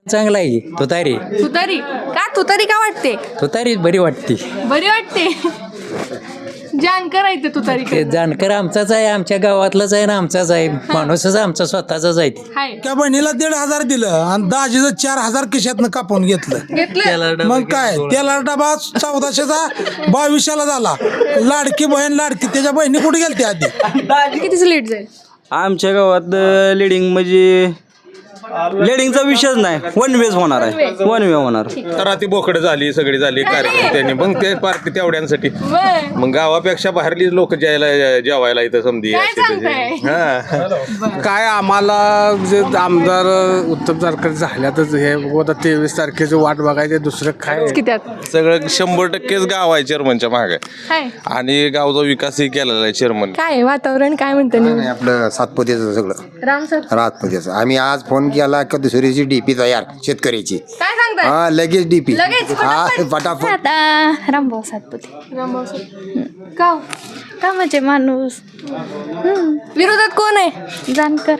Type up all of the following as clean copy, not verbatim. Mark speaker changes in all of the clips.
Speaker 1: चांगला आहे तुतारी.
Speaker 2: तुतारी का? तुतारी का वाटते?
Speaker 1: तुतारी बरी वाटते.
Speaker 2: बरी वाटते. जानकर आहे ते तुतारी
Speaker 1: ते जानकर आमचाच आहे, आमच्या गावातलाच आहे ना, आमचाच आहे माणूसच आमचा स्वतःचाच आहे.
Speaker 2: हाय
Speaker 3: त्या बहिणीला 1,500 दिलं आणि दाजीचं 4,000 खिशातनं कापून घेतलं.
Speaker 2: घेतलं.
Speaker 3: मग काय त्याला डबा 1400चा 2200ला झाला. लाडकी बहीण लाडकी त्याच्या बहिणी कुठे गेलते आधी?
Speaker 2: कितीच लेट जाईल?
Speaker 4: आमच्या गावात लिडिंग म्हणजे लिडिंगचा विषयच नाही, वन वेज होणार आहे, वन वे होणार.
Speaker 5: तर ती बोकडं झाली सगळी झाली कार्यकर्त्यांनी, मग ते पार्टी तेवढ्यांसाठी
Speaker 2: बर
Speaker 5: मग गावापेक्षा बाहेरली लोक जेवायला इथं समधी
Speaker 2: काय
Speaker 5: असते
Speaker 2: सांगताय?
Speaker 5: त्याची. हा
Speaker 6: काय आम्हाला जे आमदार उत्तम जानकर झाल्यातच हे 23 तारखेची वाट बघायचे, दुसरं काय
Speaker 2: कित्यात
Speaker 5: सगळं 100%च गाव आहे चेअरमनच्या मागे
Speaker 2: हाय
Speaker 5: आणि गावचा विकासही केलेला आहे चेअरमन.
Speaker 2: काय वातावरण काय म्हणतं?
Speaker 7: नाही आपलं सातपुतेचं सगळं
Speaker 2: राम सर
Speaker 7: रातपुतेचं. आम्ही आज फोन केला की दुसरीची डीपी तयार शेतकऱ्याची.
Speaker 2: काय सांगताय?
Speaker 7: हा लगेच डीपी.
Speaker 2: लगेच,
Speaker 7: हा
Speaker 2: फटाफट.
Speaker 7: फटाफट.
Speaker 8: आता रामभाऊ सातपुते.
Speaker 2: रामभाऊ सर का?
Speaker 8: कामाचे माणूस.
Speaker 2: विरोधात कोण आहे?
Speaker 8: जानकर.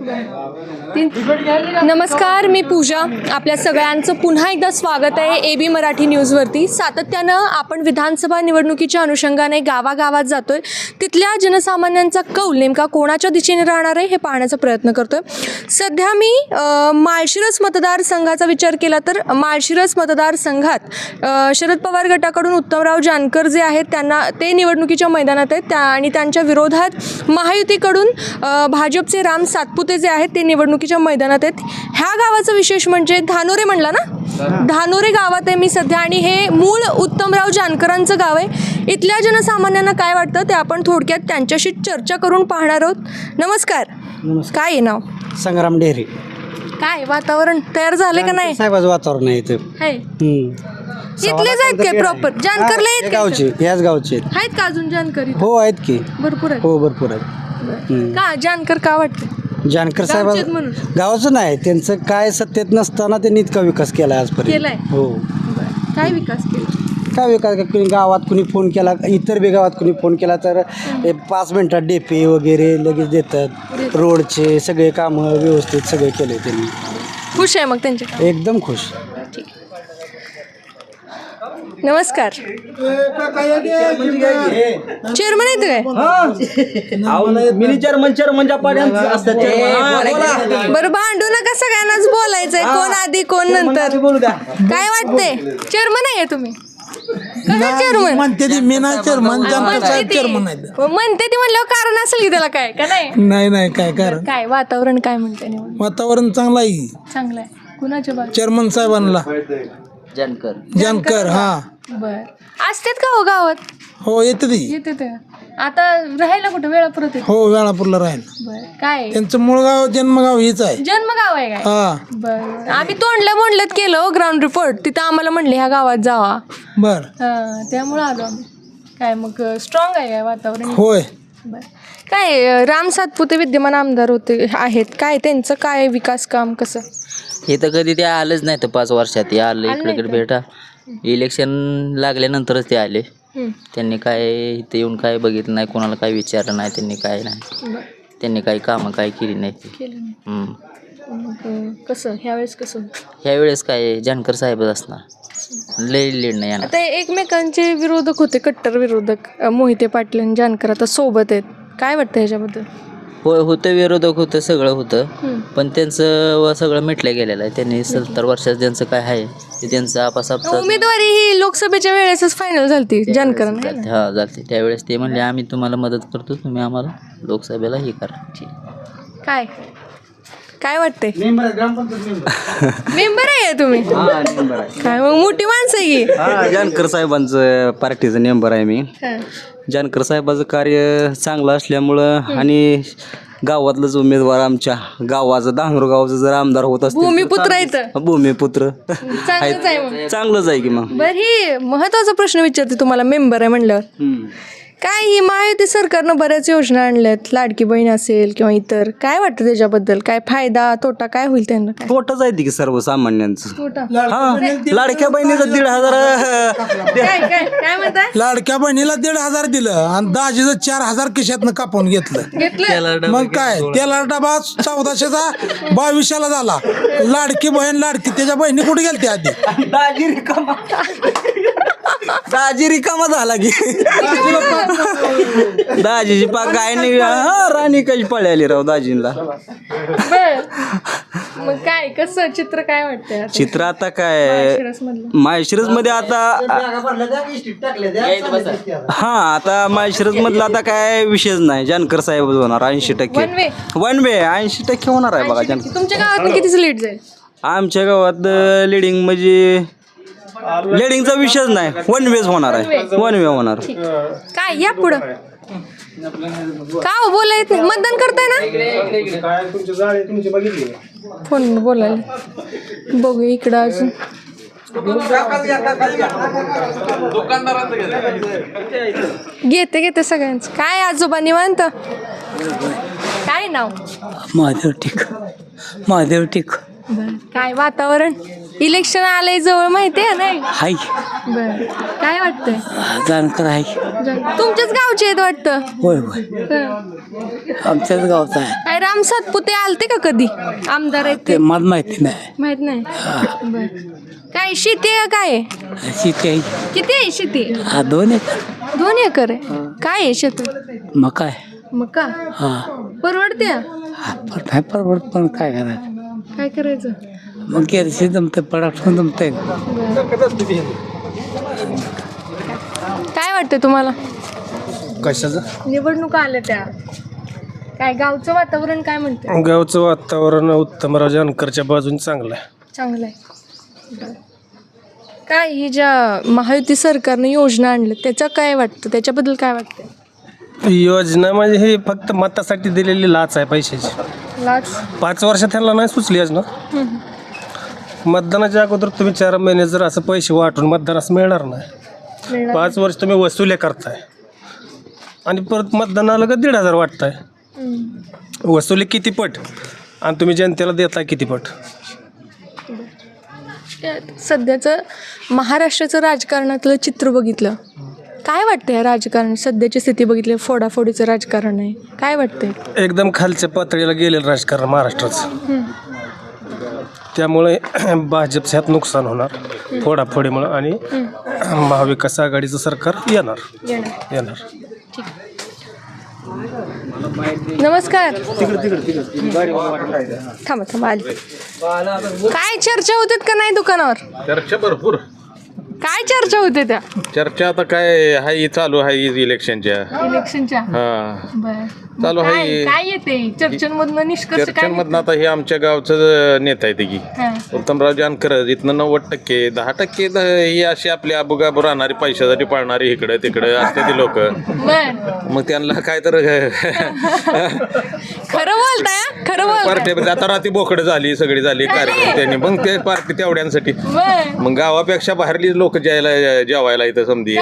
Speaker 2: नमस्कार, मी पूजा. आपल्या सगळ्यांचं पुन्हा एकदा स्वागत आहे AB मराठी न्यूजवरती. सातत्यानं आपण विधानसभा निवडणुकीच्या अनुषंगाने गावागावात जातोय, तिथल्या जनसामान्यांचा कौल नेमका कोणाच्या दिशेने राहणार आहे हे पाहण्याचा प्रयत्न करतोय. सध्या मी माळशिरस मतदारसंघाचा विचार केला तर माळशिरस मतदारसंघात शरद पवार गटाकडून उत्तमराव जानकर जे आहेत त्यांना ते निवडणुकीच्या मैदानात आहेत आणि त्यांच्या विरोधात महायुतीकडून भाजपचे राम सातपुते जे आहेत ते निवडणुकीच्या मैदानात आहेत. ह्या गावाचं विशेष म्हणजे धानोरे म्हणला ना, धानोरे गावात आहे मी सध्या आणि हे मूळ उत्तमराव जानकरांचं गाव आहे. इथल्या जनसामान्यांना काय वाटतं ते आपण थोडक्यात त्यांच्याशी चर्चा करून पाहणार आहोत. नमस्कार. काय आहे नाव?
Speaker 9: संग्राम डेहरी.
Speaker 2: काय वातावरण तयार झाले का नाही?
Speaker 9: साहेबाचं वातावरण आहे इथं.
Speaker 2: आहे इथलेच आहेत काय प्रॉपर? जानकरला आहेत का?
Speaker 9: गावचे याच गावचे
Speaker 2: आहेत का अजून जानकर इथं?
Speaker 9: हो आहेत की.
Speaker 2: भरपूर आहेत.
Speaker 9: हो भरपूर आहेत.
Speaker 2: का जानकर का वाटतं?
Speaker 9: जानकर साहेब
Speaker 2: गावचेच म्हणून.
Speaker 9: गावाचं नाही, त्यांचं काय सत्तेत नसताना त्यांनी इतका विकास केला आजपर्यंत.
Speaker 2: केलाय?
Speaker 9: हो.
Speaker 2: काय विकास केला?
Speaker 9: काय विकास कुणी गावात कुणी फोन केला, इतर बी गावात कुणी फोन केला तर 5 मिनिटात डेपे वगैरे लगेच देतात. रोडचे सगळे कामं व्यवस्थित सगळे केले त्यांनी.
Speaker 2: खुश आहे मग त्यांच्या?
Speaker 9: एकदम खुश.
Speaker 2: नमस्कार. चेअरमन आहेत काय?
Speaker 4: मिनी चेअरमनच्या पाड्यांचं असतात.
Speaker 2: बरं भांडू नका, सगळ्यांनाच बोलायचंय, कोण आधी कोण नंतर. काय वाटतंय? चेअरमन आहे तुम्ही? चेअरमन
Speaker 3: म्हणते ती मी नाही चेअरमन, जानकर साहेब चेअरमन आहेत.
Speaker 2: म्हणते ती म्हणल्यावर कारण असेल की त्याला काय का नाही?
Speaker 3: नाही काय कारण
Speaker 2: काय वातावरण काय म्हणते निवडणूक?
Speaker 3: वातावरण चांगलं आहे.
Speaker 2: चांगलं आहे. कुणाच्या बाजू?
Speaker 3: चेअरमन साहेबांना जानकर. हा
Speaker 2: बर असतात का हो गावात?
Speaker 3: हो येते ती.
Speaker 2: येते ते आता राहायला कुठं? वेळापुरत येते.
Speaker 3: हो वेळापूरला राहील.
Speaker 2: बर काय
Speaker 3: त्यांचं मूळ गाव जन्मगाव हीच आहे.
Speaker 2: जन्मगाव आहे काय?
Speaker 3: हा
Speaker 2: बर आम्ही तोंडल्या बोंडल्यात केलं ग्राउंड रिपोर्ट, तिथं आम्हाला म्हणले ह्या गावात जावा.
Speaker 3: बर
Speaker 2: त्यामुळं आलो आम्ही. काय मग स्ट्रॉंग आहे काय वातावरण?
Speaker 3: होय.
Speaker 2: बर काय राम सातपुते विद्यमान आमदार होते आहेत, काय त्यांचं काय विकास काम कसं?
Speaker 10: हे तर कधी ते आलंच नाही तर 5 वर्षात ते आलं
Speaker 2: आलं नाही
Speaker 10: इकडे भेटा. इलेक्शन लागल्यानंतरच ते आले. त्यांनी काय इथे येऊन काय बघितलं नाही, कोणाला काय विचारलं नाही, त्यांनी काय नाही, त्यांनी काही कामं काय केली नाही.
Speaker 2: केलं नाही. मग कसं ह्यावेळेस कसं?
Speaker 10: ह्यावेळेस काय जानकर साहेबच असणार, लय लीड नाही येणार.
Speaker 2: आता एकमेकांचे विरोधक होते, कट्टर विरोधक मोहिते पाटील आणि जानकर आता सोबत आहेत. काय वाटतं ह्याच्याबद्दल?
Speaker 10: होय होतं, विरोधक होतं, सगळं होतं, पण त्यांचं सगळं मिटलं गेलेलं आहे. त्यांनी 70 वर्षात ज्यांचं काय आहे ते त्यांचं आपासाप
Speaker 2: उमेदवारी ही लोकसभेच्या वेळेसच फायनल झाली जानकरांना.
Speaker 10: हा झालते. त्यावेळेस ते म्हणले आम्ही तुम्हाला मदत करतो, तुम्ही आम्हाला लोकसभेला हे करा.
Speaker 2: काय काय वाटतंय? मेंबर आहे तुम्ही? काय मग मोठी माणसं आहे की?
Speaker 4: जानकर साहेबांचं पार्टीचं मेंबर आहे मी. जानकर साहेबाचं कार्य चांगलं असल्यामुळं आणि गावातलंच उमेदवार आमच्या गावाचं धानोर गावाचं जर आमदार होत असतील
Speaker 2: भूमिपुत्र आहेत.
Speaker 4: भूमिपुत्र
Speaker 2: चांगलंच आहे मग.
Speaker 4: चांगलंच आहे की मग.
Speaker 2: बरं ही महत्वाचा प्रश्न विचारते तुम्हाला, मेंबर आहे म्हणल्यावर काय ही महायुती सरकारनं बऱ्याच योजना आणल्यात, लाडकी बहीण असेल किंवा इतर, काय वाटतं त्याच्याबद्दल? काय फायदा तोटा काय होईल त्यांना? काय
Speaker 4: तोटाच आहे की सर्वसामान्यांचं.
Speaker 2: तोटा?
Speaker 4: हा, लाडक्या बहिणीचं 1,500
Speaker 2: काय म्हणताय?
Speaker 3: लाडक्या बहिणीला 1,500 दिलं आणि दाजीचं 4,000 खिशातनं कापून घेतलं. मग काय त्याला डबा 1400चा 2200ला झाला. लाडकी बहीण लाडकी त्याच्या बहिणी कुठे गेलते आधी?
Speaker 4: दाजी रिकामा झाला की दाजीची पाक काय नाही. हा, राणी कशी पळाली राव दाजींना.
Speaker 2: मग काय कसं चित्र काय वाटतंय?
Speaker 4: चित्र आता काय माळशिरस मध्ये आता आता माळशिरस मधला आता काय विषयच नाही. जानकर साहेब होणार 80%. वन वे 80% होणार आहे बघा.
Speaker 2: तुमच्या गावात कितीच लीड जाईल?
Speaker 4: आमच्या गावात लिडिंग म्हणजे लिडिंगचा विषयच नाही. वन वेज होणार आहे. वन वे होणार.
Speaker 2: काय या पुढं का हो बोलाय मतदान करताय ना? फोन बोलायला बघू इकडं अजून. घेते सगळ्यांचं. काय आजोबा निवांत? काय नाव?
Speaker 1: महादेव टिक
Speaker 2: काय वातावरण? इलेक्शन आलंय जवळ, माहिती आहे नाही?
Speaker 1: हाय
Speaker 2: बर, काय वाटतंय?
Speaker 1: जानकर आहे.
Speaker 2: तुमच्याच गावचे आहेत वाटतं?
Speaker 1: होय होय, आमच्याच गावचा आहे.
Speaker 2: काय राम सातपुते आलते का कधी आमदार आहेत ते?
Speaker 1: मला माहिती नाही.
Speaker 2: माहित नाही. बर, काय शेती आहे काय?
Speaker 1: शेती आहे.
Speaker 2: किती आहे शेती?
Speaker 1: 2 एकर.
Speaker 2: 2 एकर आहे. काय आहे शेतात?
Speaker 1: मका आहे.
Speaker 2: मका?
Speaker 1: हा,
Speaker 2: परवडते?
Speaker 1: नाही परवडत पण काय करायचं?
Speaker 2: काय करायचं
Speaker 1: मग केरशी जमते पडाठून जमते.
Speaker 2: काय वाटतं तुम्हाला?
Speaker 6: कशाचं?
Speaker 2: निवडणुका आल्या त्या, काय गावचं वातावरण काय म्हणते?
Speaker 6: गावचं वातावरण उत्तमराव जानकरच्या बाजून चांगलं आहे.
Speaker 2: चांगलं आहे. काय ही ज्या महायुती सरकारने योजना आणल्या त्याचं काय वाटतं? त्याच्याबद्दल काय वाटतं?
Speaker 6: योजना म्हणजे हे फक्त मतासाठी दिलेली लाच आहे पैशाची.
Speaker 2: लाच
Speaker 6: 5 वर्ष त्यांना नाही सुचली योजना. मतदानाच्या अगोदर तुम्ही 4 महिने जर असं पैसे वाटून मतदानास मिळणार नाही. 5 वर्ष तुम्ही वसुले करताय आणि परत मतदानाला का 1,500 वाटताय. वसुली किती पट आणि तुम्ही जनतेला देताय किती पट.
Speaker 2: सध्याचं महाराष्ट्राचं राजकारणातलं चित्र बघितलं, काय वाटतं या राजकारण? सध्याची स्थिती बघितली, फोडाफोडीचं राजकारण आहे, काय वाटतंय?
Speaker 6: एकदम खालच्या पातळीला गेलेलं राजकारण महाराष्ट्राचं. त्यामुळे भाजपचं ह्यात नुकसान होणार फोडाफोडीमुळं आणि महाविकास आघाडीचं सरकार येणार.
Speaker 2: नमस्कार. थांबा आली. काय चर्चा होतात का नाही दुकानावर?
Speaker 5: चर्चा भरपूर.
Speaker 2: काय चर्चा होते त्या?
Speaker 5: चर्चा आता काय हाय चालू आहे इलेक्शनच्या. हा चालू आहे.
Speaker 2: काय येते चर्चेमधनं निष्कर्ष?
Speaker 5: चर्चेमधनं आता हे आमच्या गावचं नेता आहे की उत्तमराव जानकर. इथनं 90%, 10% ही अशी आपली अबुगाबू राहणारी पैशासाठी पाळणारी इकडे तिकडे असते ती लोक. मग त्यांना काय तर
Speaker 2: खरं बोलताय? खरं बोलताय?
Speaker 5: पार्टी आता रात्री बोकडं झाली सगळी झाली कार्यकर्त्यांनी. मग ते पार्टी तेवढ्यांसाठी. मग गावापेक्षा बाहेरली लोक जेवायला इथं समधी.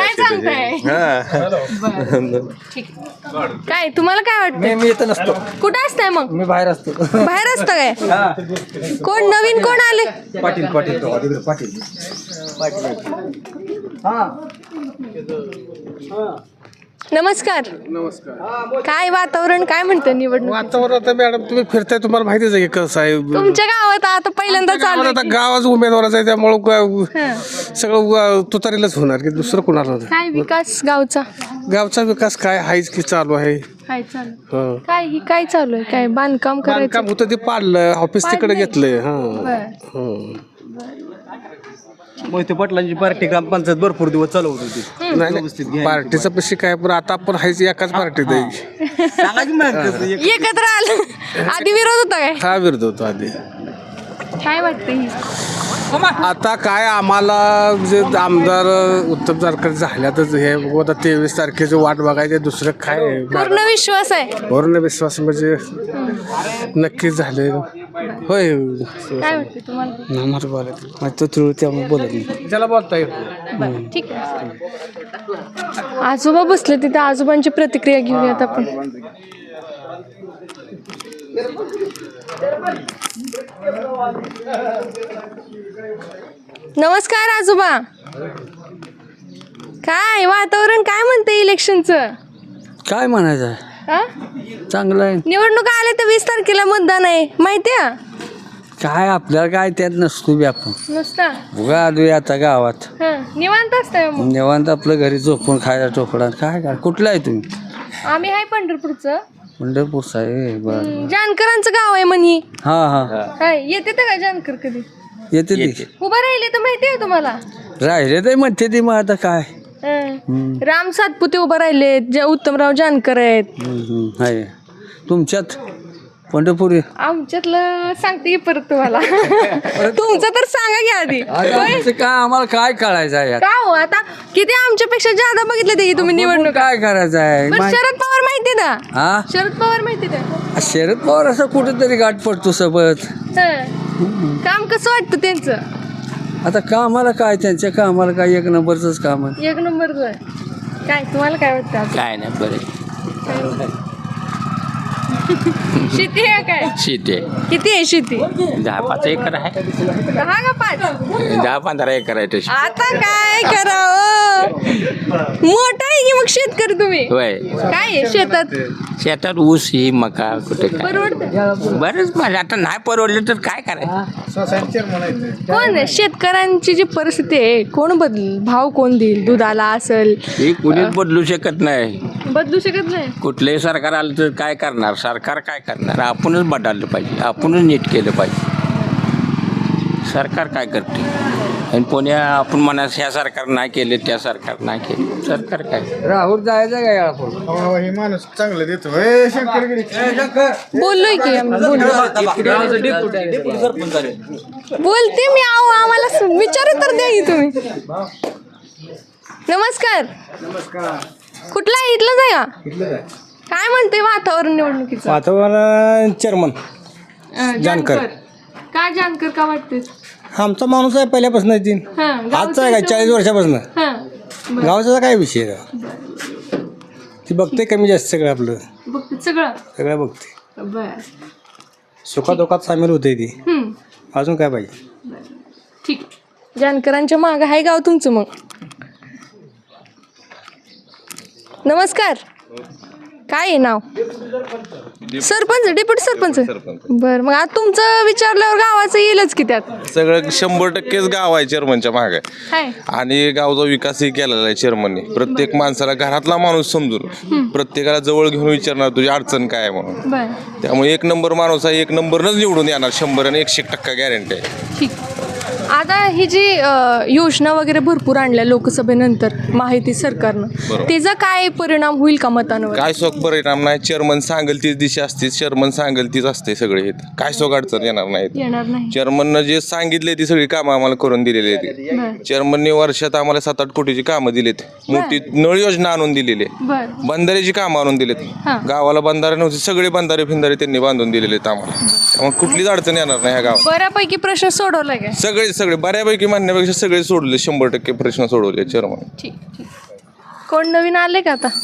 Speaker 2: काय तुम्हाला काय वाटतं?
Speaker 9: मी इथं नसतो.
Speaker 2: कुठं असताय मग?
Speaker 9: मी बाहेर असतो.
Speaker 2: बाहेर असतं काय? कोण नवीन कोण आले?
Speaker 9: पाटील.
Speaker 2: नमस्कार. काय वातावरण काय म्हणतं निवडणूक?
Speaker 6: वातावरण आता मॅडम तुम्ही फिरताय, तुम्हाला माहितीच आहे कसं आहे.
Speaker 2: तुमच्या गावात आता पहिल्यांदा चालू
Speaker 6: आता गावाच उमेदवाराचा आहे त्यामुळं सगळं तुतारीलाच होणार की दुसरं कुणाला.
Speaker 2: काय विकास गावचा
Speaker 6: विकास काय हायच की चालू आहे.
Speaker 2: काय ही काय चालू आहे? काय बांधकाम करायचं
Speaker 6: काम होतं ते पाडलं, ऑफिस तिकडे घेतलंय.
Speaker 4: मोहिते पाटलांची पार्टी ग्रामपंचायत भरपूर दिवस चालवत होती.
Speaker 6: नाही पार्टीचा पैसे काय पण आता आपण हायच एकाच पार्टीत आहे.
Speaker 2: एकत्र आलं. आधी विरोध होता काय?
Speaker 6: हा विरोध होतो आधी.
Speaker 2: काय वाटतं?
Speaker 6: आता काय आम्हाला जे आमदार उत्तम जानकर झाल्यातच हे आता 23 तारखेची वाट बघायचे, दुसरं काय.
Speaker 2: पूर्ण विश्वास आहे.
Speaker 6: पूर्ण विश्वास म्हणजे नक्कीच झाले.
Speaker 9: होय
Speaker 2: काय वाटते तुम्हाला
Speaker 9: आम्हाला बोलत तो तुळ त्यामुळे बोलत नाही.
Speaker 6: ज्याला बोलता येत
Speaker 2: बरं, ठीक आहे. आजोबा बसले तिथे, आजोबांची प्रतिक्रिया घेऊयात आपण. नमस्कार आजोबा. काय वातावरण काय म्हणते इलेक्शनचं?
Speaker 9: काय म्हणायचं
Speaker 2: हा?
Speaker 9: चांगलं आहे.
Speaker 2: निवडणुका आल्या तर 20 तारखेला मतदान आहे माहितीये?
Speaker 9: काय आपल्याला काय त्यात नसतो बी आपण
Speaker 2: नुसता
Speaker 9: उगा आलोय आता गावात
Speaker 2: निवांत असतंय मग.
Speaker 9: निवांत आपलं घरी झोपून खायला टोकडा. काय कुठलं आहे तुम्ही?
Speaker 2: आम्ही आहे पंढरपूरचं.
Speaker 9: पंढरपूरचं आहे. बरं.
Speaker 2: जानकरांचं गाव आहे म्हणी.
Speaker 9: हा
Speaker 2: येते तर का जानकर कधी
Speaker 9: येते ते
Speaker 2: उभं राहिले तर माहिती आहे तुम्हाला?
Speaker 9: राहिले ते म्हणते ती मग आता काय
Speaker 2: राम सातपुते उभं राहिले, उत्तमराव जानकर आहेत.
Speaker 9: आहे तुमच्यात पंढरपूर
Speaker 2: आमच्यातलं सांगते की परत तुम्हाला. तुमचं तर सांगा की आधी.
Speaker 9: काय आम्हाला काय करायचं आहे
Speaker 2: का हो आता किती आमच्यापेक्षा जादा बघितले ते तुम्ही निवडणूक.
Speaker 9: काय करायचं आहे
Speaker 2: पण शरद पवार माहिती का?
Speaker 9: हा
Speaker 2: शरद पवार माहिती का?
Speaker 9: शरद पवार असं कुठेतरी गाठ पडतो सोबत.
Speaker 2: काम कसं वाटतं त्यांचं?
Speaker 9: आता कामाला काय त्यांच्या कामाला काय एक नंबरच काम आहे.
Speaker 2: एक नंबरचं. काय तुम्हाला काय वाटतं?
Speaker 10: काय नाही बरं
Speaker 2: शेती आहे काय?
Speaker 10: शेती आहे
Speaker 2: किती आहे शेती?
Speaker 10: 10-5 एकर आहे.
Speaker 2: 10 का 5?
Speaker 10: 10-15 एकर आहे तशी.
Speaker 2: आता काय करावं? मोठा आहे की मग शेतकरी तुम्ही?
Speaker 10: होय.
Speaker 2: काय आहे शेतात?
Speaker 10: शेतात ऊस ही मका कुठे काय
Speaker 2: परवडतं?
Speaker 10: बरंच माझं आता नाही परवडलं तर काय करायचं.
Speaker 2: कोण आहे? शेतकऱ्यांची जी परिस्थिती आहे कोण बदल भाव कोण देईल दुधाला असेल?
Speaker 10: हे कुणीच बदलू शकत नाही.
Speaker 2: बदलू शकत नाही.
Speaker 10: कुठलंही सरकार आलं तर काय करणार? सरकार काय करणार? आपणच बदललं पाहिजे, आपणच नीट केलं पाहिजे. सरकार काय करते? आणि पुण्या आपण म्हणा ह्या सरकार नाही केले त्या सरकार नाही केले. सरकार काय
Speaker 9: राहुल जायचं काय
Speaker 7: हे माणूस चांगलं देतो
Speaker 2: बोललोय की आम्ही, बोलते मी. आहो आम्हाला विचारू तर द्या की तुम्ही. नमस्कार. कुठला आहे? इथलंच आहे का? काय म्हणते वातावरण निवडणुकीचं?
Speaker 6: वातावरण चेअरमन
Speaker 2: जानकर. का जानकर का वाटते?
Speaker 6: आमचा माणूस आहे पहिल्यापासून आजचा आहे काय 40 वर्षापासून गावचा काय विषय आहे? ती बघते कमी जास्त सगळं आपलं सगळं बघते.
Speaker 2: बर
Speaker 6: सुखादुखात सामील होते ती. अजून काय पाहिजे?
Speaker 2: ठीक. जानकरांच्या मागं आहे गाव तुमचं मग. नमस्कार. काय आहे नाव? सरपंच, डेप्युटी सरपंच. बर मग आज तुमचं विचारल्यावर गावाचं येईलच की त्यात.
Speaker 5: सगळं 100%च गाव आहे चेअरमनच्या मागे. आणि गावचा विकासही केलेला आहे चेअरमनने. प्रत्येक माणसाला घरातला माणूस समजून प्रत्येकाला जवळ घेऊन विचारणार तुझी अडचण काय आहे म्हणून. त्यामुळे 1 नंबर माणूस आहे, 1 नंबरनच निवडून येणार. 100 आणि 100% गॅरंटी आहे.
Speaker 2: ठीक. आता ही जी योजना वगैरे भरपूर आणल्या लोकसभेनंतर माहिती सरकारनं, त्याचा काय परिणाम होईल का मतांवर?
Speaker 5: काय शोक परिणाम नाही. चेअरमन सांगेल तीच दिशा असते, चेअरमन सांगेल तीच असते सगळे. काय शोक अडचण येणार नाही. चेअरमननं जे सांगितले ती सगळी कामं आम्हाला करून दिलेली आहेत. चेअरमनने वर्षात आम्हाला 7-8 कोटीची कामं दिलीत. मोठी नळ योजना आणून दिलेली आहे. बंधाऱ्याची कामं आणून दिलेत. गावाला बंधारे नव्हते, सगळे बंधारे फिंधारे त्यांनी बांधून दिलेले आहेत आम्हाला. त्यामुळे कुठलीच अडचण येणार नाही ह्या गावात.
Speaker 2: बऱ्यापैकी प्रश्न सोडवलाय काय?
Speaker 5: सगळे बऱ्यापैकी म्हणण्यापेक्षा सगळे सोडले. 100% प्रश्न सोडवले चेअरमन.
Speaker 2: ठीक. कोण नवीन आले का आता?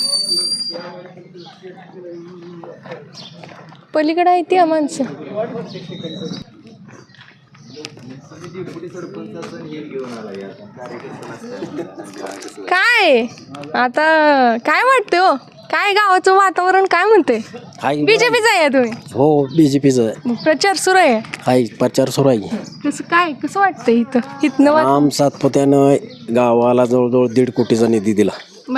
Speaker 2: पलीकडे आहे ती माणसं. काय आता काय वाटतं हो? काय गावाचं वातावरण काय म्हणते? बीजेपीचं आहे तुम्ही?
Speaker 9: हो बीजेपीचं आहे.
Speaker 2: प्रचार सुरू आहे.
Speaker 9: प्रचार सुरू आहे.
Speaker 2: कसं वाटतं इथनं?
Speaker 9: राम सातपुत्यानं गावाला जवळजवळ 1.5 कोटीचा निधी दिला.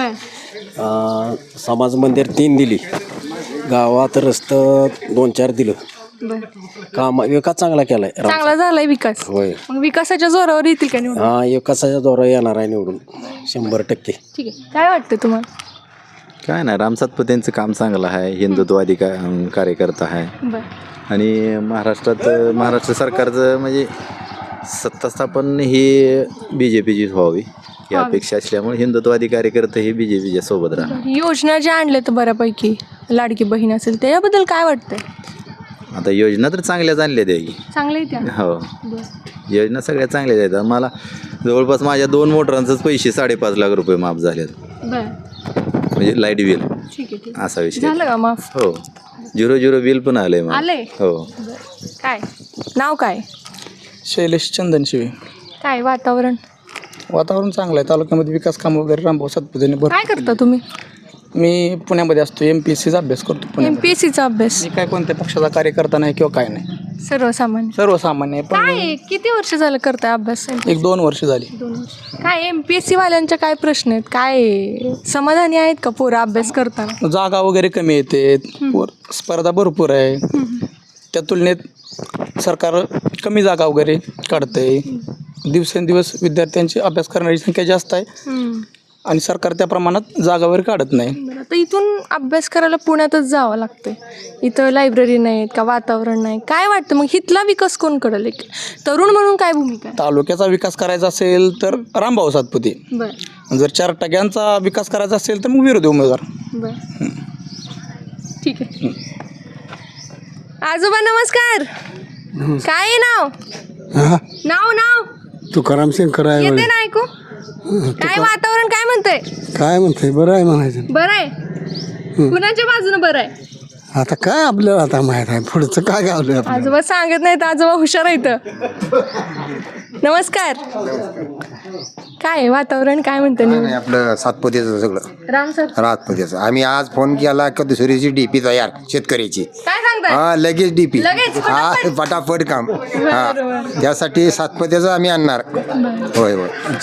Speaker 9: समाज मंदिर 3 दिली. गावात रस्तं 2-4 दिलं. काम विकास चांगला केलाय.
Speaker 2: चांगला झालाय विकास.
Speaker 9: होय.
Speaker 2: मग विकासाच्या जोरावर येतील का निवडून?
Speaker 9: विकासाच्या दौरा येणार आहे निवडून 100%.
Speaker 2: ठीक आहे. काय वाटतं तुम्हाला?
Speaker 11: काय नाही, राम सातपुतेंचं काम चांगलं आहे. हिंदुत्ववादी कार्यकर्ता आहे. आणि महाराष्ट्र सरकारचं म्हणजे सत्ता स्थापन ही BJPचीच व्हावी ही अपेक्षा असल्यामुळे हिंदुत्ववादी कार्यकर्ते हे BJPच्या सोबत राहतात.
Speaker 2: योजना ज्या आणल्या तर बऱ्यापैकी लाडकी बहीण असेल त्याच्याबद्दल काय वाटतंय?
Speaker 11: आता योजना तर चांगल्याच आणल्या द्यायची.
Speaker 2: चांगलं आहे त्या
Speaker 11: हो, योजना सगळ्या चांगल्याच आहेत. मला जवळपास माझ्या 2 मोटरांचंच पैसे 5.5 लाख रुपये माफ झालेत,
Speaker 2: बर
Speaker 11: म्हणजे लाईट बिल
Speaker 2: ठीक आहे ठीक
Speaker 11: असा विषय.
Speaker 2: झालं का माफ
Speaker 11: हो, 0 बिल पण आलंय मला.
Speaker 2: आले
Speaker 11: हो.
Speaker 2: काय नाव काय
Speaker 9: शैलेश चंदनशिवे.
Speaker 2: काय वातावरण
Speaker 9: चांगलं आहे. तालुक्यामध्ये विकास काम वगैरे रामभाऊ सातपुतेने
Speaker 2: काय करता तुम्ही
Speaker 9: मी पुण्यामध्ये असतो, MPSCचा अभ्यास करतो पुण्यात.
Speaker 2: MPSCचा अभ्यास
Speaker 9: मी काय कोणत्या पक्षाचा कार्यकर्ता नाही किंवा काय नाही,
Speaker 2: सर्वसामान्य
Speaker 9: सर्वसामान्य आहे. पण
Speaker 2: काय किती वर्ष झालं करताय अभ्यास
Speaker 9: 1-2 वर्ष झाली.
Speaker 2: 2 वर्ष काय MPSC वाल्यांच्या काय प्रश्न आहेत, काय समाधानी आहेत का पोरं अभ्यास करताना?
Speaker 9: जागा वगैरे कमी येते, स्पर्धा भरपूर आहे, त्या तुलनेत सरकार कमी जागा वगैरे काढतंय. दिवसेंदिवस विद्यार्थ्यांची अभ्यास करणारी संख्या जास्त आहे आणि सरकार त्या प्रमाणात जागा वगैरे काढत नाही.
Speaker 2: बरं, आता इथून अभ्यास करायला पुण्यातच जावं लागतंय, इथं लायब्ररी नाहीत का, वातावरण नाही, काय वाटतं मग इथला विकास कोण करेल? एक तरुण म्हणून काय भूमिका आहे?
Speaker 9: तालुक्याचा विकास करायचा असेल तर रामभाऊ सातपुते,
Speaker 2: बरं
Speaker 9: जर 4 टक्क्यांचा विकास करायचा असेल तर मग विरोधी उमेदवार.
Speaker 2: बरं ठीक आहे. आजोबा नमस्कार. काय आहे नाव
Speaker 3: तुकाराम शंकर
Speaker 2: येते ना ऐकू? काय वातावरण काय म्हणतंय?
Speaker 3: काय म्हणते, बरं आहे म्हणायचं.
Speaker 2: बरं आहे. कुणाच्या बाजूने बरं आहे?
Speaker 3: आता काय आपल्याला आता माहित आहे पुढचं काय गावलं.
Speaker 2: आजोबा सांगत नाहीत, आजोबा हुशार आहेत. नमस्कार. काय वातावरण काय म्हणतं?
Speaker 7: आपलं सातपुतेचं सगळं
Speaker 2: राम सर
Speaker 7: रातपुतेचं. आम्ही आज फोन केला का दुसरीची DP तयार शेतकऱ्याची.
Speaker 2: काय सांगताय?
Speaker 7: हा, लगेच DP.
Speaker 2: लगेच,
Speaker 7: हा, फटाफट काम. हा, त्यासाठी सातपुतेचं आम्ही आणणार. होय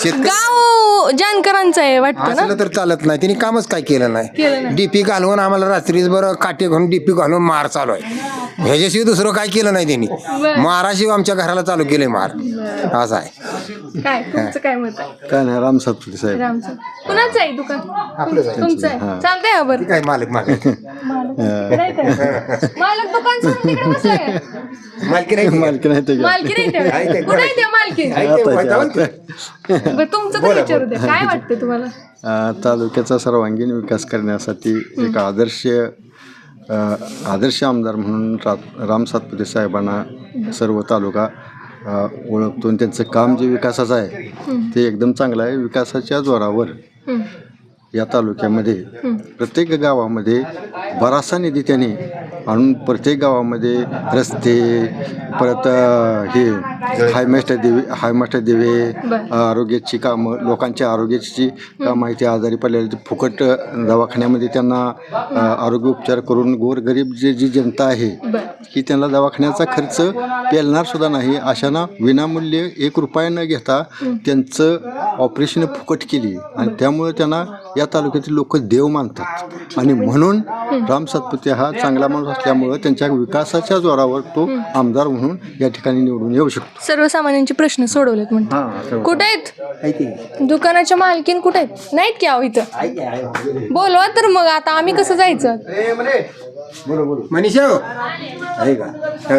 Speaker 2: गाव जानकरांचं आहे वाटतं ना?
Speaker 7: असलं तर चालत नाही, तिने कामच काय केलं नाही. DP घालवून आम्हाला रात्रीच बरं काटे घालून DP घालून मार चालू आहे. ह्याच्याशिवाय दुसरं काय केलं नाही त्यांनी. माराशिवाय आमच्या घराला चालू केलंय मार. असं आहे.
Speaker 2: काय तुमचं काय मत आहे?
Speaker 11: काय नाही, राम सातपुते साहेब.
Speaker 2: रामचं कुणाचं आहे दुकान? तुमचं आहे. चालतंय का बरं?
Speaker 7: काय मालक
Speaker 2: मालक दुकान सोडून तिकडे बसलाय का?
Speaker 7: मालकी नाही.
Speaker 2: मालकी नाही ते. कुठे आहे त्या मालकी? बरं तुमचं तर विचारू द्या, काय वाटतं तुम्हाला?
Speaker 11: तालुक्याचा सर्वांगीण विकास करण्यासाठी एक आदर्श आमदार म्हणून राम सातपुते साहेबांना सर्व तालुका ओळखतो आणि त्यांचं काम जे विकासाचं आहे ते एकदम चांगलं आहे. विकासाच्या जोरावर या तालुक्यामध्ये प्रत्येक गावामध्ये बराचसा निधी त्यांनी आणून प्रत्येक गावामध्ये रस्ते, परत हे हायमास्टर दिवे, आरोग्याची कामं, लोकांच्या आरोग्याची कामं आहे. ते आजारी पडलेले फुकट दवाखान्यामध्ये त्यांना आरोग्य उपचार करून गोरगरीब जी जनता आहे की त्यांना दवाखान्याचा खर्च पेलणार सुद्धा नाही अशांना विनामूल्य 1 रुपया न घेता त्यांचं ऑपरेशन फुकट केली आणि त्यामुळे त्यांना या तालुक्यातील लोक देव मानतात आणि म्हणून राम सातपुते हा चांगला माणूस असल्यामुळं त्यांच्या विकासाच्या जोरावर तो आमदार म्हणून या ठिकाणी निवडून येऊ शकतो.
Speaker 2: सर्वसामान्यांचे प्रश्न सोडवलेत म्हणतात. कुठे आहेत दुकानाच्या मालकीन? कुठे आहेत? नाहीत की अहो इथं? बोलवा तर मग आता आम्ही कसं जायचं?
Speaker 7: मनीषा आहे का?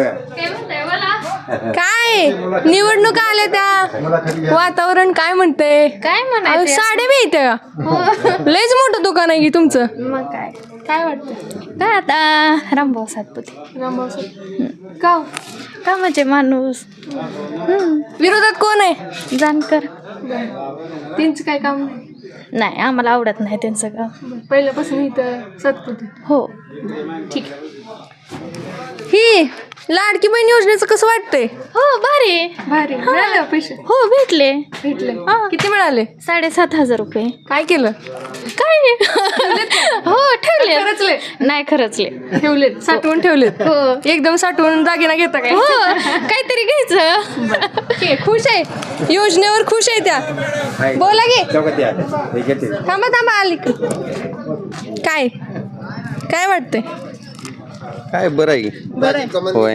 Speaker 2: काय निवडणुका आल्या त्या, वातावरण काय म्हणते?
Speaker 8: काय म्हणायचं?
Speaker 2: साडे बी येते का? लयच मोठं दुकान आहे की तुमचं.
Speaker 8: मग काय
Speaker 2: काय वाटतं?
Speaker 8: काय आता रामभाऊ सातपुते. का म्हणजे माणूस
Speaker 2: विरोधात कोण आहे?
Speaker 8: जानकर.
Speaker 2: त्यांचं काय काम नाही?
Speaker 8: नाही, आम्हाला आवडत नाही त्यांचं काम.
Speaker 2: पहिल्यापासून इथं सातपुते.
Speaker 8: हो
Speaker 2: ठीक आहे. ही लाडकी बहीण योजनेचं कसं वाटतंय?
Speaker 8: हो, भारी
Speaker 2: भारी. मिळाले पैसे?
Speaker 8: हो, भेटले.
Speaker 2: किती मिळाले?
Speaker 8: 7,500 रुपये.
Speaker 2: काय केलं?
Speaker 8: काय हो, ठेवले.
Speaker 2: खरंचले?
Speaker 8: नाही, खरंचले.
Speaker 2: ठेवलेत, साठवून ठेवलेत.
Speaker 8: हो.
Speaker 2: एकदम साठवून दागिना घेता काय?
Speaker 8: हो, काहीतरी घ्यायचं.
Speaker 2: ठीक आहे, खुश आहे योजनेवर, खुश आहे त्या. बोला गे. थांबा आली. काय काय वाटतंय?
Speaker 4: काय बरं आहे. होय,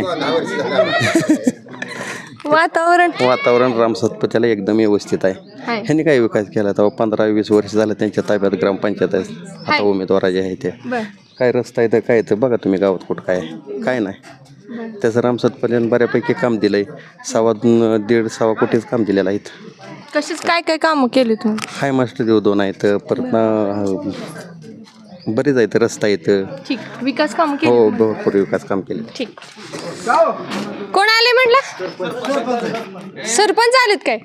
Speaker 4: वातावरण राम सातपुतेला एकदम व्यवस्थित आहे. ह्यांनी काय विकास केला तेव्हा 15-20 वर्ष झालं त्यांच्या ताब्यात ग्रामपंचायत आहे. आता उमेदवार जे आहे ते काय रस्ता आहे तर काय तर बघा तुम्ही गावात कुठं काय नाही. त्याचं राम सातपुतेनं बऱ्यापैकी काम दिलंय. 1.5 कोटीच काम दिलेलं आहे.
Speaker 2: कशीच काय कामं केली तुम्ही?
Speaker 4: हाय मास्टर देव 2 आहेत. परत बरेच आहेत, रस्ता येतं.
Speaker 2: ठीक, विकास काम
Speaker 4: हो,
Speaker 2: केले
Speaker 4: भरपूर विकास काम केले.
Speaker 2: ठीक. कोण आले म्हटलं? सरपंच आलेत काय?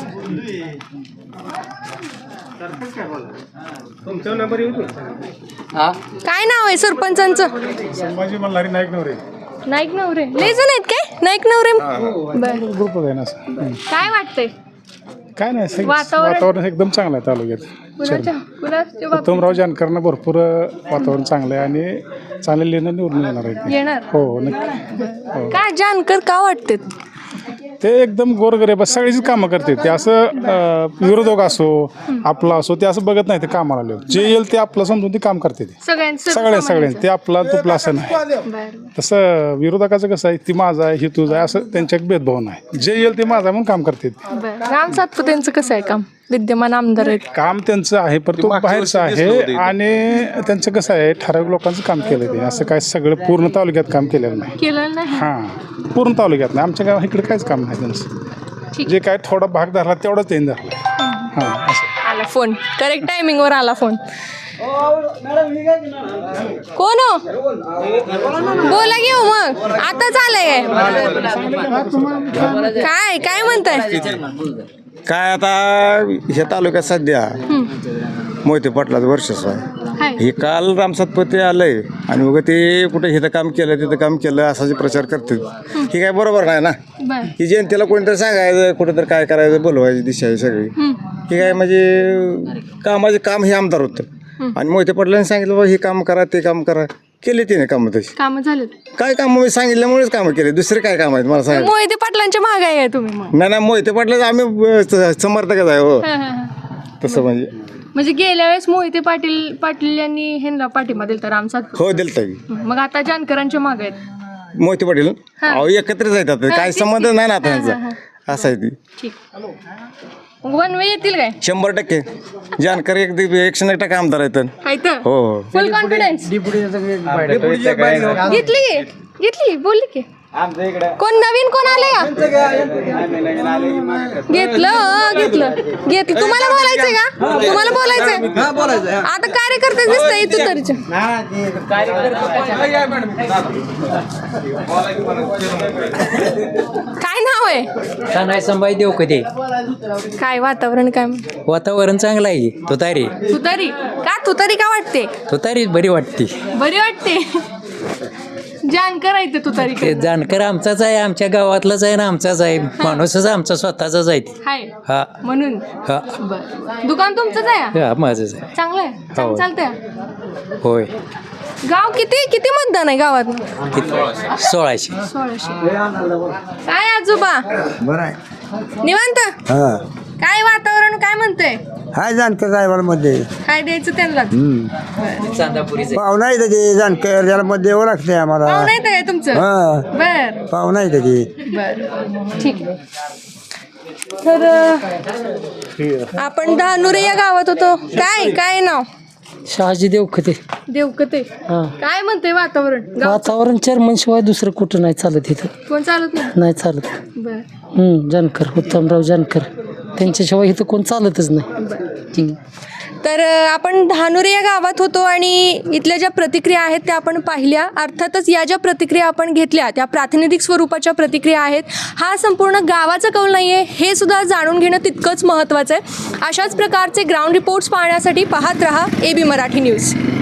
Speaker 2: काय नाव आहे सरपंचांचं?
Speaker 3: संभाजी मल्हारी नाईक नवरे
Speaker 2: नाईक नवरे लय जण आहेत काय? नाईक नवरे बरं.
Speaker 3: ग्रुप आहे ना.
Speaker 2: काय वाटतंय?
Speaker 3: काय नाही,
Speaker 2: वातावरण?
Speaker 3: वातावरण एकदम चांगलं आहे तालुक्यात.
Speaker 2: कुणाच्या बाबतीत
Speaker 3: उत्तमराव जानकरांना भरपूर वातावरण चांगलं आहे आणि चांगले लेणं निवडून येणार आहे ते.
Speaker 2: येणार?
Speaker 3: हो, नक्की.
Speaker 2: काय जानकर का वाटते?
Speaker 3: ते एकदम गोरगरीब सगळीच कामं करते. ते असं विरोधक असो आपला असो ते असं बघत नाही. ते कामाला आले जे येईल ते आपलं समजून ते काम करते. ते सगळ्यांनी ते आपला तुपला असं नाही. तसं विरोधकाचं कसं आहे, ती माझा आहे, ही तुझा आहे, असं त्यांच्यात भेदभाव नाही. जे येईल ते माझा म्हणून काम करते.
Speaker 2: राम सातपुतेंचं कसं आहे काम? विद्यमान आमदार आहेत.
Speaker 3: काम त्यांचं आहे पण तो बाहेरचं आहे आणि त्यांचं कसं आहे, ठराविक लोकांचं काम केलं. ते असं काय सगळं पूर्ण तालुक्यात काम केलेलं नाही.
Speaker 2: केलं नाही?
Speaker 3: हां, पूर्ण तालुक्यात नाही. आमच्या गावात इकडे काहीच काम नाही त्यांचं. जे काय थोडा भाग धरला तेवढाच त्यांनी धरला. हां, असं
Speaker 2: आला फोन, करेक्ट टायमिंगवर आला फोन. कोण हो? बोला घेऊ मग, आताच आलंय काय? काय म्हणताय?
Speaker 7: काय आता ह्या तालुक्यात सध्या मोहिते पाटलाचं वर्चस्व आहे. हे काल राम सातपुते आलंय आणि मग ते कुठे इथं काम केलं तिथं काम केलं असा जे प्रचार करते हे काय बरोबर नाही ना. ही जनतेला कोणीतरी सांगायचं कुठेतरी काय करायचं, बोलवायची दिशा आहे सगळी. हे काय म्हणजे कामाचे काम हे आमदार होतं आणि मोहिते पाटलांनी सांगितलं बाबा हे काम करा ते काम करा, केले तिने कामं तशी.
Speaker 2: काम झालं?
Speaker 7: काय काम मी सांगितल्यामुळेच कामं केले, दुसरे काय काम आहेत मला सांगा.
Speaker 2: मोहिते पाटलांच्या मागे आहे तुम्ही मग?
Speaker 7: नाही मोहिते पाटलाच आम्ही समर्थकच आहे. हो, तसं
Speaker 2: म्हणजे गेल्या वेळेस मोहिते पाटील यांनी ह्यांना पाठिंबा दिलता राम सातपुते.
Speaker 7: हो दिलता.
Speaker 2: मग आता जानकरांच्या मागे आहेत
Speaker 7: मोहिते पाटील अहो एकत्रच आहेत आता, काही संबंध नाही ना आता त्यांचा. असं आहे ती.
Speaker 2: ठीक. वन वे येतील काय?
Speaker 7: 100% जानकर 101% आमदार आहेत. हो,
Speaker 2: फुल कॉन्फिडन्स. घेतली बोलली की कोण नवीन कोण आले का? घेतलं. तुम्हाला बोलायचंय का? तुम्हाला बोलायचंय? आता कार्यकर्ते दिसतंय तू तरीच्या. काय नाव आहे?
Speaker 1: नाही संभाजी देऊ कधी.
Speaker 2: काय वातावरण? काय
Speaker 1: वातावरण चांगलं आहे. तुतारी
Speaker 2: तुतारी का वाटते?
Speaker 1: तुतारी बरी वाटते.
Speaker 2: बरी वाटते. जानकर आहे तुतारी.
Speaker 1: ते जानकर आमचाच आहे, आमच्या गावातलाच आहे ना, आमचाच आहे माणूसच आमचा स्वतःचाच आहे. हा
Speaker 2: म्हणून
Speaker 1: हा
Speaker 2: दुकान तुमचंच आहे?
Speaker 1: हा माझंच आहे.
Speaker 2: चांगलं आहे, चालतंय.
Speaker 1: होय.
Speaker 2: गाव किती मतदान आहे गावात?
Speaker 1: 1600.
Speaker 2: काय आजोबा
Speaker 7: बरं आहे.
Speaker 2: निवांत? काय वातावरण काय म्हणतंय?
Speaker 7: हाय जानकर साहेबांमध्ये
Speaker 2: काय द्यायचं त्यांना?
Speaker 1: चांदापुरीच
Speaker 7: पाहुणा आहे त्याची जानकर, त्याला मत द्यावं लागते आम्हाला.
Speaker 2: पाहुणा येतं काय तुमचं? बर,
Speaker 7: पाहुणा आहे त्याची.
Speaker 2: बर, ठीक आहे. तर आपण धानुरे या गावात होतो. काय नाव?
Speaker 1: शहाजी देवखते.
Speaker 2: काय म्हणते वातावरण?
Speaker 1: वातावरण चेअरमनशिवाय दुसरं कुठं नाही चालत इथं.
Speaker 2: कोण चालत नाही?
Speaker 1: नाही चालत.
Speaker 2: बर.
Speaker 1: जानकर, उत्तमराव जानकर, त्यांच्याशिवाय इथं कोण चालतच नाही.
Speaker 2: तर आपण धानुरे या गावात होतो आणि इथल्या ज्या प्रतिक्रिया आहेत त्या आपण पाहिल्या. अर्थातच या ज्या प्रतिक्रिया आपण घेतल्या त्या प्रातिनिधिक स्वरूपाच्या प्रतिक्रिया आहेत. हा संपूर्ण गावाचा कौल नाही आहे हे सुद्धा जाणून घेणं तितकंच महत्त्वाचं आहे. अशाच प्रकारचे ग्राउंड रिपोर्ट्स पाहण्यासाठी पाहत रहा AB मराठी न्यूज.